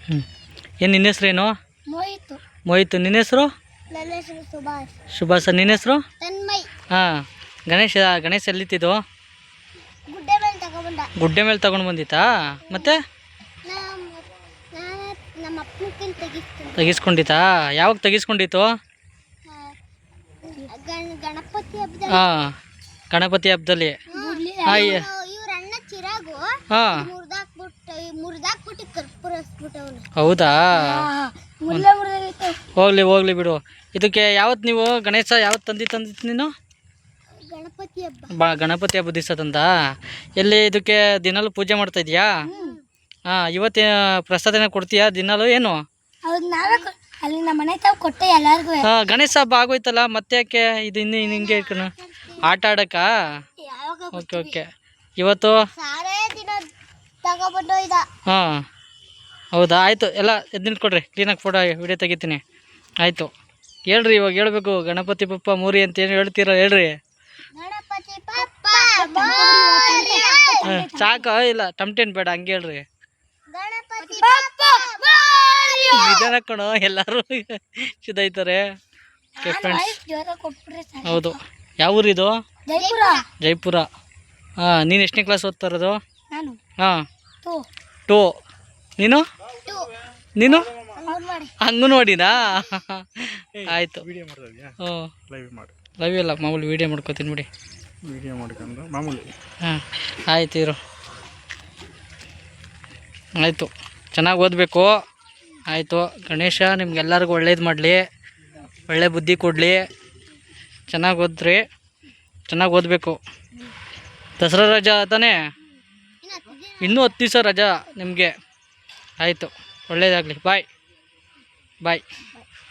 ಹ್ಞೂ ಏನು ನಿನ್ನ ಹೆಸ್ರೇನು? ಮೋಹಿತ್. ನಿನ್ನ ಹೆಸರು? ಸುಭಾಷ್. ನಿನ್ನ ಹೆಸರು? ಹಾಂ. ಗಣೇಶ ಎಲ್ಲಿತ್ತಿದ್ದು? ಗುಡ್ಡೆ ಮೇಲೆ ತಗೊಂಡು ಬಂದಿತ್ತಾ? ಮತ್ತೆ ತೆಗಿಸ್ಕೊಂಡಿತ್ತಾ? ಯಾವಾಗ ತೆಗಿಸ್ಕೊಂಡಿತ್ತು? ಹಾಂ, ಗಣಪತಿ ಹಬ್ಬದಲ್ಲಿ. ಹಾಂ, ಹೌದಾ? ಹೋಗ್ಲಿ ಬಿಡು. ಇದಕ್ಕೆ ಯಾವತ್ತು ನೀವು ಗಣೇಶ ಯಾವತ್ತು ತಂದಿತ್ತು ನೀನು? ಗಣಪತಿ ಹಬ್ಬದ ದಿವಸ ತಂದ. ಎಲ್ಲಿ ಇದಕ್ಕೆ ದಿನಾಲು ಪೂಜೆ ಮಾಡ್ತಾ ಇದೀಯಾ? ಹಾಂ. ಇವತ್ತು ಪ್ರಸಾದನ ಕೊಡ್ತೀಯಾ ದಿನಾಲು? ಏನು ಹಾಂ, ಗಣೇಶ ಹಬ್ಬ ಆಗೋಯ್ತಲ್ಲ, ಮತ್ತೆ ಯಾಕೆ ಇದು ಇನ್ನು ಹಿಂಗೆ ಆಟ ಆಡಕ್ಕ? ಓಕೆ. ಇವತ್ತು ಹಾಂ, ಹೌದಾ? ಆಯಿತು. ಎಲ್ಲ ಎದ್ದು ನಿಂತ್ಕೊಡ್ರಿ, ಕ್ಲೀನಾಗಿ ಫೋಟೋ ವಿಡಿಯೋ ತೆಗಿತೀನಿ. ಆಯಿತು, ಹೇಳ್ರಿ. ಇವಾಗ ಹೇಳ್ಬೇಕು. ಗಣಪತಿ ಬಪ್ಪ ಮೋರಿ ಅಂತ ಏನು ಹೇಳ್ತೀರ? ಹೇಳ್ರಿ. ಸಾಕು, ಇಲ್ಲ ಟಮ್ಟೇನ್ ಬೇಡ, ಹಂಗೆ ಹೇಳ್ರಿ. ನಿಧಾನ ಕಣೋ, ಎಲ್ಲರೂ ಸಿದ್ಧಾಯ್ತಾರೆ. ಹೌದು. ಯಾವ ಊರಿದು? ಜೈಪುರ. ಹಾಂ. ನೀನು ಎಷ್ಟನೇ ಕ್ಲಾಸ್ ಓದ್ತಾ ಇರೋದು? ಹಾಂ, 2. ನೀನು ಅಂಗನವಾಡಿನಾ? ಆಯಿತು. ಹ್ಞೂ, ಲೈವ್ ಇಲ್ಲ, ಮಾಮೂಲಿ ವೀಡಿಯೋ ಮಾಡ್ಕೋತೀನಿ ಬಿಡಿ. ಮಾಮೂಲಿ. ಹಾಂ, ಆಯ್ತು ಇರು. ಆಯಿತು, ಚೆನ್ನಾಗಿ ಓದಬೇಕು. ಆಯಿತು. ಗಣೇಶ ನಿಮ್ಗೆಲ್ಲರಿಗೂ ಒಳ್ಳೇದು ಮಾಡಲಿ, ಒಳ್ಳೆ ಬುದ್ಧಿ ಕೊಡಲಿ. ಚೆನ್ನಾಗಿ ಓದ್ರಿ, ಚೆನ್ನಾಗಿ ಓದಬೇಕು. ದಸರಾ ರಜಾ ತಾನೇ? ಇನ್ನೂ 10 ದಿವಸ ರಜಾ ನಿಮಗೆ. ಆಯಿತು, ಒಳ್ಳೇದಾಗಲಿ. ಬಾಯ್.